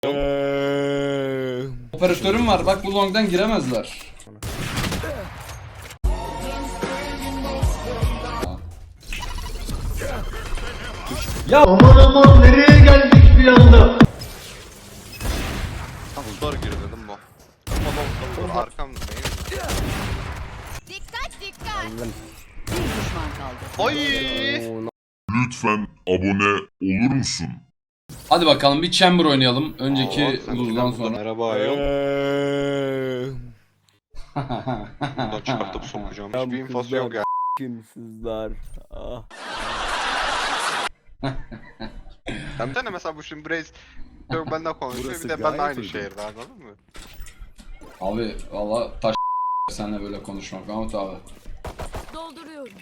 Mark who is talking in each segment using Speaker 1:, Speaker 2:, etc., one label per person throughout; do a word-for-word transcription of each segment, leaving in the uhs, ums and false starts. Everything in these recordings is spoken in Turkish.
Speaker 1: Eee...
Speaker 2: Operatörüm var bak, bu long'dan giremezler. Ya
Speaker 3: Aman aman nereye geldik bir anda?
Speaker 4: Zor gir dedim bu. Baba baba arkam değil.
Speaker 5: Dikkat dikkat. Bir düşman kaldı.
Speaker 4: Oy!
Speaker 6: Lütfen abone olur musun?
Speaker 2: hadi bakalım bir chamber oynayalım. Önceki
Speaker 4: Aa, sen
Speaker 2: lose'dan
Speaker 4: buradan
Speaker 2: sonra.
Speaker 4: Merhaba ayol.
Speaker 1: Eee...
Speaker 4: Buradan çıkartıp sokacağım.
Speaker 1: Ya
Speaker 4: Hiçbir
Speaker 1: bu
Speaker 4: infosu
Speaker 1: kızlar-
Speaker 4: yok ya.
Speaker 1: Kimsizler. Ah.
Speaker 4: Sen de mesela bu şimdi Braze yok benden konuşuyor
Speaker 6: Burası
Speaker 4: bir de ben
Speaker 6: gayet
Speaker 4: aynı
Speaker 6: uygun.
Speaker 4: şehirde anladın mı?
Speaker 2: Abi valla taş senle böyle konuşmak Mahmut abi.
Speaker 5: Dolduruyorum.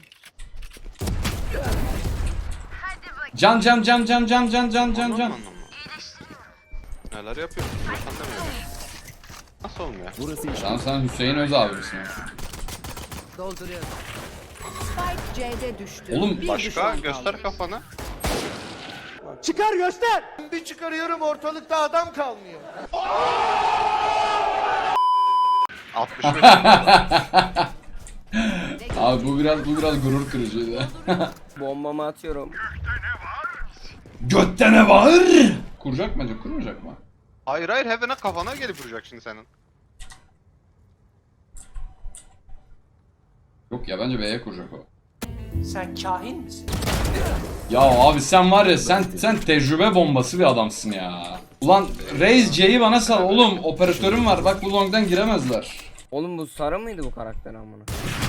Speaker 2: Can can can can can can can can
Speaker 4: Anladın
Speaker 2: can.
Speaker 4: mı, anladın mı? Neler yapıyorsun? Sen demiyorum. Nasıl olmuyor?
Speaker 6: Burası iş.
Speaker 2: Sen sen Hüseyin Öz abisin.
Speaker 5: Dolduruyorum. Spike C'de düştü.
Speaker 2: Oğlum,
Speaker 5: Bir
Speaker 4: Başka
Speaker 5: düşman
Speaker 4: göster
Speaker 5: kaldı.
Speaker 4: kafanı.
Speaker 3: Çıkar göster. Bir çıkarıyorum ortalıkta adam kalmıyor.
Speaker 4: altmış beş.
Speaker 2: Abi bu biraz bu biraz gurur kırıcıydı.
Speaker 1: Bombamı atıyorum.
Speaker 2: Götte ne var? Kuracak mı acaba? Kurmayacak mı?
Speaker 4: Hayır hayır Heaven'a kafana gelip vuracak şimdi senin.
Speaker 2: Yok ya, bence B'ye kuracak o.
Speaker 3: Sen kahin misin?
Speaker 2: Ya abi sen var ya, sen sen tecrübe bombası bir adamsın ya. Ulan Raze C'yi bana sal oğlum, operatörüm var bak, bu long'dan giremezler.
Speaker 1: Oğlum bu sarı mıydı bu karakter amına?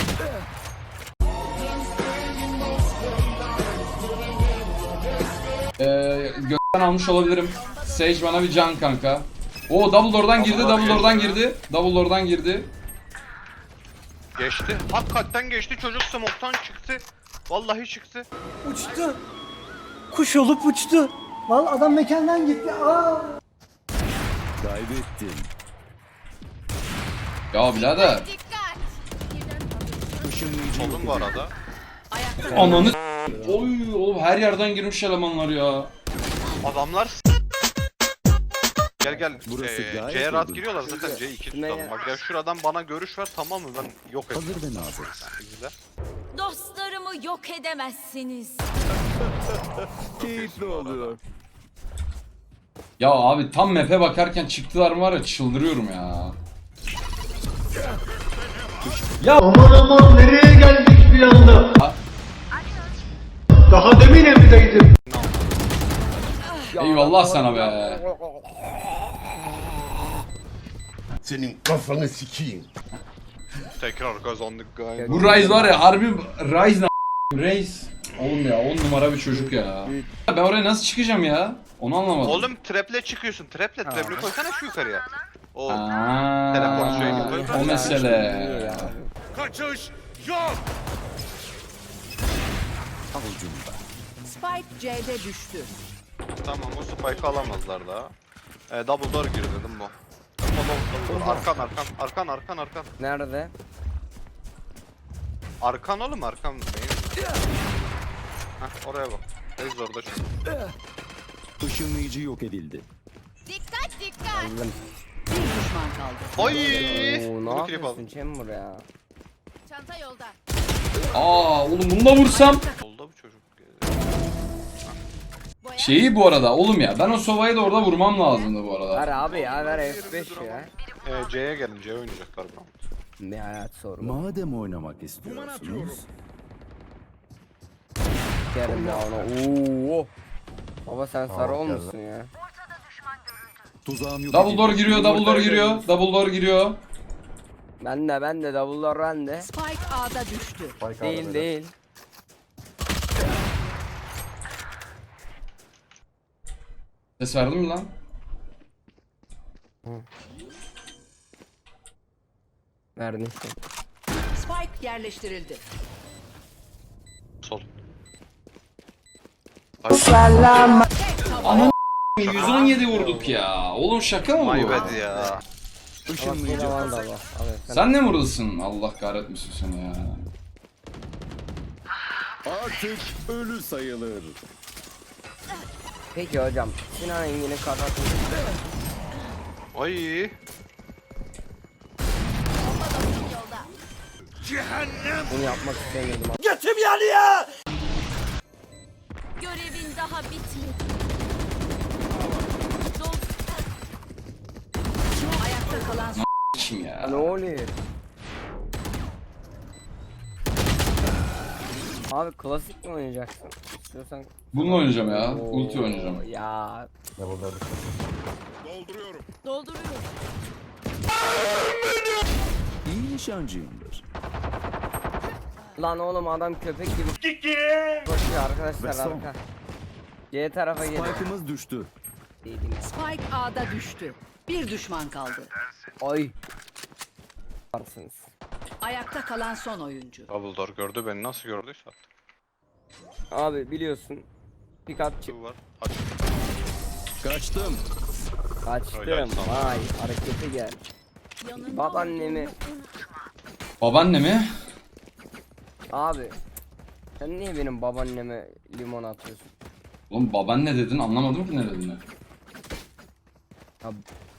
Speaker 2: Ee, gökten almış olabilirim. Sage bana bir can kanka. O double door'dan girdi, double door'dan girdi. Double door'dan girdi.
Speaker 4: Geçti. Hakikaten geçti çocuk smoke'tan çıktı. Vallahi çıktı.
Speaker 7: Uçtu. Kuş olup uçtu. Vallahi adam mekandan gitti. Aa.
Speaker 6: Kaybettin.
Speaker 2: Ya birader.
Speaker 5: Dikkat.
Speaker 6: Işınlayıcı
Speaker 4: Oldum bu arada.
Speaker 5: Ayakta
Speaker 2: Ananı oy oğlum, her yerden girmiş elemanlar ya.
Speaker 4: Adamlar s- Gel gel.
Speaker 6: Burası
Speaker 4: Ee,
Speaker 6: gayet
Speaker 4: C'ye rahat
Speaker 6: uygun.
Speaker 4: giriyorlar zaten C iki
Speaker 1: Ne
Speaker 4: tutalım.
Speaker 1: ya?
Speaker 4: Bak ya şuradan bana görüş ver tamam mı ben yok ettim.
Speaker 6: Hazır ve nazır.
Speaker 4: İzle.
Speaker 5: dostlarımı yok edemezsiniz.
Speaker 6: Keyifli oluyor.
Speaker 2: Ya abi tam map'e bakarken çıktılar mı var ya, çıldırıyorum ya.
Speaker 3: Aman aman nereye geldik bir anda? Daha demin evdeydim.
Speaker 2: Eyvallah sana be.
Speaker 8: Senin kafanı sikeyim.
Speaker 4: Tekrar kazandık galiba.
Speaker 2: Bu Ryze var ya, harbi Ryze ne Ryze. Oğlum ya, on numara bir çocuk ya. Ben oraya nasıl çıkacağım ya? Onu anlamadım.
Speaker 4: Oğlum traple çıkıyorsun. Traple traple koysana şu yukarıya. O
Speaker 2: Aa,
Speaker 4: Telefon şeyini koy.
Speaker 2: o mesele.
Speaker 6: Avucumda.
Speaker 5: Spike C'de düştü.
Speaker 4: tamam o spike'ı alamazlar daha. Ee, double door gir dedim bu. Double, double door. Arkan arkan arkan arkan arkan.
Speaker 1: Nerede?
Speaker 4: Arkan oğlum arkan. Neyin? Heh oraya bak. Reis orada şu.
Speaker 6: Işınlayıcı yok edildi.
Speaker 5: Dikkat dikkat.
Speaker 1: Aldım.
Speaker 5: Bir düşman kaldı.
Speaker 4: Oy!
Speaker 1: Oo, ne
Speaker 4: Bunu klip
Speaker 1: yapıyorsun
Speaker 4: aldım.
Speaker 1: Chamber ya?
Speaker 5: Çanta yolda.
Speaker 2: Aa oğlum, bunu da vursam.
Speaker 4: Oldu bu çocuk.
Speaker 5: Boya.
Speaker 2: Şeyi bu arada oğlum ya, ben o sovayı da orada vurmam lazımdı bu arada.
Speaker 1: Ver abi ya, ver F beş ya.
Speaker 4: Ee, C'ye gelin C oynayacaklar bu.
Speaker 1: Ne hayat sorma.
Speaker 6: Madem oynamak istiyorsunuz.
Speaker 1: Sikerim ya ona. Oo. Baba sen sarı olmuşsun ya.
Speaker 6: Tuzağım yok
Speaker 2: Double
Speaker 6: edildi.
Speaker 2: door giriyor, double door giriyor, double door giriyor.
Speaker 1: Ben de ben de double'lar ben de.
Speaker 5: Spike A'da düştü.
Speaker 1: Değil değil.
Speaker 2: Ses verdin mi lan?
Speaker 1: Verdin.
Speaker 5: Spike yerleştirildi.
Speaker 4: Sol.
Speaker 2: yüz on yedi vurduk ya. Oğlum şaka mı
Speaker 4: My
Speaker 2: bu?
Speaker 4: bad ya.
Speaker 6: Işınlayıcı
Speaker 1: Var
Speaker 6: hazır.
Speaker 1: da var. Abi sen.
Speaker 2: Sen ne vurdun? Allah kahretmesin seni ya.
Speaker 6: Artık ölü sayılır.
Speaker 1: Peki hocam. Sinan Engin'in kafasını.
Speaker 4: Ay.
Speaker 1: Bunu yapmak istemiyordum.
Speaker 5: Görevin daha bitmedi. Dol- Ayakta kalan son
Speaker 2: Kim ya?
Speaker 1: Ne oluyor? Abi klasik mi oynayacaksın? İstiyorsan...
Speaker 2: Bununla oynayacağım ya.
Speaker 1: Oo,
Speaker 2: Ulti oynayacağım.
Speaker 1: Ya
Speaker 5: dolduruyorum.
Speaker 6: İyi nişancıyımdır.
Speaker 1: lan oğlum adam köpek gibi koşuyor arkadaşlar
Speaker 6: Ve son.
Speaker 1: arka. C tarafa geliyor.
Speaker 6: Spike'ımız düştü.
Speaker 5: Spike A'da düştü. Bir düşman kaldı.
Speaker 1: Ay. Varsınız.
Speaker 5: Ayakta kalan son oyuncu.
Speaker 4: Double door gördü beni, nasıl gördüyse artık.
Speaker 1: Abi biliyorsun. Pick up çık.
Speaker 4: Şu var. Aç.
Speaker 6: Kaçtım.
Speaker 1: Kaçtım.
Speaker 4: Öyle sana.
Speaker 1: Vay harekete gel. Babaannemi.
Speaker 2: Babaanne mi?
Speaker 1: Abi. Sen niye benim babaanneme limon atıyorsun?
Speaker 2: Oğlum babaanne dedin, anlamadım ki ne dediğini.
Speaker 1: Abi.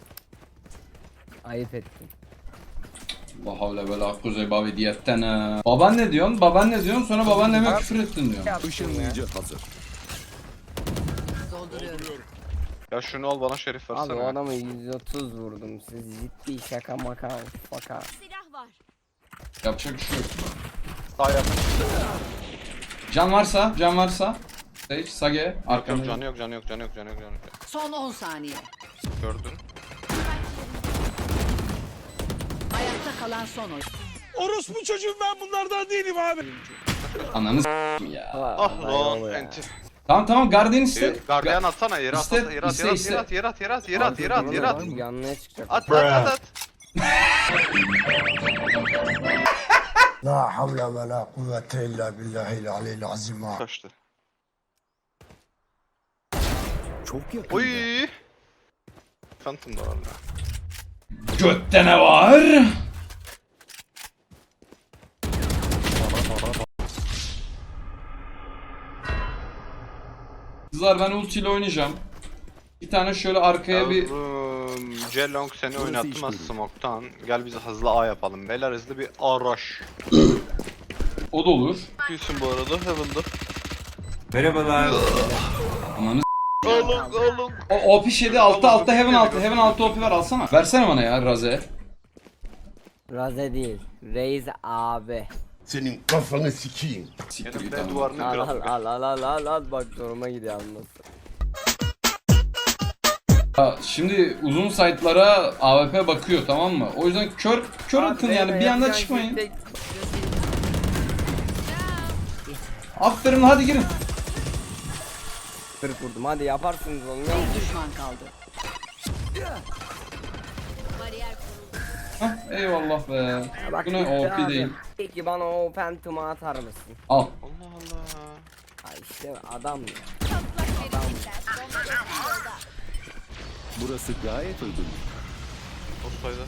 Speaker 1: Ayıp ettin.
Speaker 2: La havle ve la kuzey babi diyetten ha. Babaanne diyorsun, babaanne diyorsun, sonra babaanneme küfür ettin diyorsun.
Speaker 1: Yaptın ya.
Speaker 6: Işınlayıcı hazır.
Speaker 5: Dolduruyorum.
Speaker 4: Ya şunu al bana Şerif
Speaker 1: Abi
Speaker 4: versene.
Speaker 1: o adamı yüz otuz vurdum. Siz ciddi şaka maka faka.
Speaker 5: Silah var.
Speaker 2: Yapacak bir şey yok.
Speaker 4: Sağ yakın.
Speaker 2: Can varsa, can varsa. Sage, Sage,
Speaker 4: Yok yok,
Speaker 2: arkamda.
Speaker 4: canı yok, canı yok, canı yok, canı yok, canı yok.
Speaker 5: Son on saniye.
Speaker 4: Gördün.
Speaker 5: Ayakta kalan son oyuncu.
Speaker 2: Ananı s**tim ya.
Speaker 4: Ah
Speaker 1: lan
Speaker 4: lan enti.
Speaker 2: Tamam tamam, Guardian iste.
Speaker 4: Gardiyan atsana, yere at,
Speaker 2: İste,
Speaker 4: at, yere at,
Speaker 2: iste,
Speaker 4: yere at,
Speaker 2: iste.
Speaker 4: yere at, yere at, yere at, yere at, yere at, yere at.
Speaker 1: Yanına çıkacak.
Speaker 4: At, at, at, at.
Speaker 8: La havle ve la kuvvete illa billahil aleyhil azim.
Speaker 4: Kaçtı.
Speaker 6: Çok yakın.
Speaker 4: Oy. Phantom da var ya.
Speaker 2: Götte ne var? Kızlar ben ulti ile oynayacağım. Bir tane şöyle arkaya bir...
Speaker 4: Yavrum, Celong seni
Speaker 6: Burası
Speaker 4: oynattım
Speaker 6: iş
Speaker 4: az
Speaker 6: bölümü.
Speaker 4: smoke'tan. Gel bize hızlı A yapalım. Beyler hızlı bir araş.
Speaker 2: O da olur.
Speaker 4: Gülsün bu arada Heaven'da.
Speaker 2: Ananı
Speaker 4: Oğlum oğlum.
Speaker 2: O O P yedi altta altta Heaven altı. Heaven altı O P ver alsana. Versene bana ya Raze.
Speaker 1: Raze değil. Reis abi.
Speaker 8: Senin kafanı sikeyim.
Speaker 2: Siktir
Speaker 4: Benim
Speaker 2: git
Speaker 4: de
Speaker 2: amına.
Speaker 4: duvarını
Speaker 1: Al al
Speaker 4: kıralım.
Speaker 1: al al al al al bak zoruma gidiyor anlasın.
Speaker 2: Ya şimdi uzun site'lara A W P bakıyor, tamam mı? O yüzden kör kör atın yani, bir anda çıkmayın. Aferin, hadi girin.
Speaker 1: kırk vurdum hadi yaparsınız onu ya.
Speaker 5: Bir düşman kaldı.
Speaker 2: Hah, eyvallah be.
Speaker 1: Ya bak
Speaker 2: Bu ne
Speaker 1: bitti
Speaker 2: O P
Speaker 1: abi.
Speaker 2: değil.
Speaker 1: Peki bana o Phantom'u atar mısın?
Speaker 2: Al.
Speaker 4: Allah Allah.
Speaker 1: Ay işte adam ya.
Speaker 6: Burası gayet uygun.
Speaker 4: Offside'a.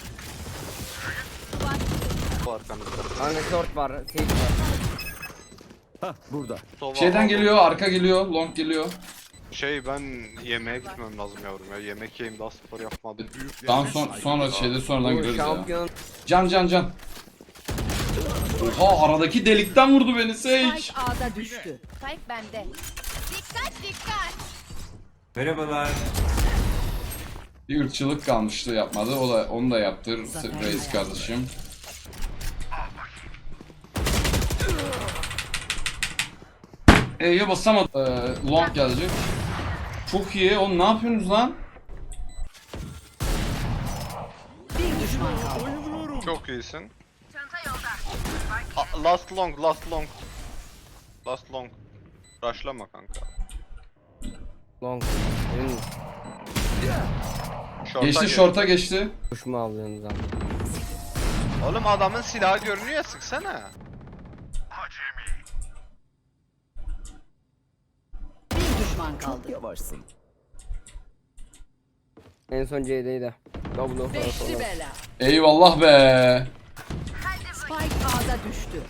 Speaker 4: Bu arkanızda.
Speaker 1: Hani short var, sage var.
Speaker 6: Hah burada.
Speaker 4: Sova
Speaker 2: Şeyden
Speaker 4: aldım.
Speaker 2: geliyor, arka geliyor, long geliyor.
Speaker 4: Şey ben yemeğe gitmem lazım yavrum ya. Yemek yiyeyim, daha spor yapmadım.
Speaker 2: Daha son, sonra şeyde sonradan
Speaker 1: Bu
Speaker 2: gireriz ya.
Speaker 1: şampiyon
Speaker 2: Can can can. Oha, aradaki delikten vurdu beni Sage.
Speaker 5: Spike A'da düştü.
Speaker 9: Spike bende. Dikkat dikkat.
Speaker 2: Bir ırkçılık kalmıştı, yapmadı. O da onu da yaptı Reis kardeşim. E'ye basamadı. Ee, long gelecek. Çok iyi. Oğlum ne yapıyorsunuz lan?
Speaker 5: Bir düşman kaldı.
Speaker 4: Çok iyisin. A- last long, last long. Last long. Rushlama kanka.
Speaker 1: long. Benim
Speaker 4: Short'a
Speaker 2: Geçti,
Speaker 4: gir.
Speaker 2: short'a geçti.
Speaker 1: kuşumu alıyorsunuz abi.
Speaker 4: Oğlum adamın silahı görünüyor ya, sıksana.
Speaker 5: Bir düşman kaldı.
Speaker 6: Çok yavaşsın.
Speaker 1: En son C'deydi. Double of
Speaker 5: Beşli bela.
Speaker 2: Eyvallah be.
Speaker 5: Spike A'da düştü.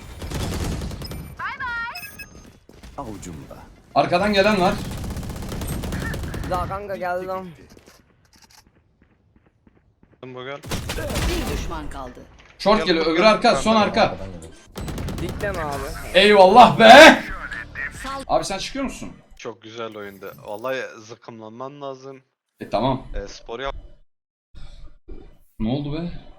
Speaker 6: Avucumda.
Speaker 2: Arkadan gelen var.
Speaker 1: Daha kanka geldi lan.
Speaker 4: Bu gel.
Speaker 5: Bir düşman kaldı.
Speaker 2: Short geliyor, öbür arka, son arka.
Speaker 1: Dikleme abi.
Speaker 2: Eyvallah be! Abi sen çıkıyor musun?
Speaker 4: Çok güzel oyundu. Vallahi zıkkımlanman lazım.
Speaker 2: E tamam.
Speaker 4: E, spor yap.
Speaker 2: Ne oldu be?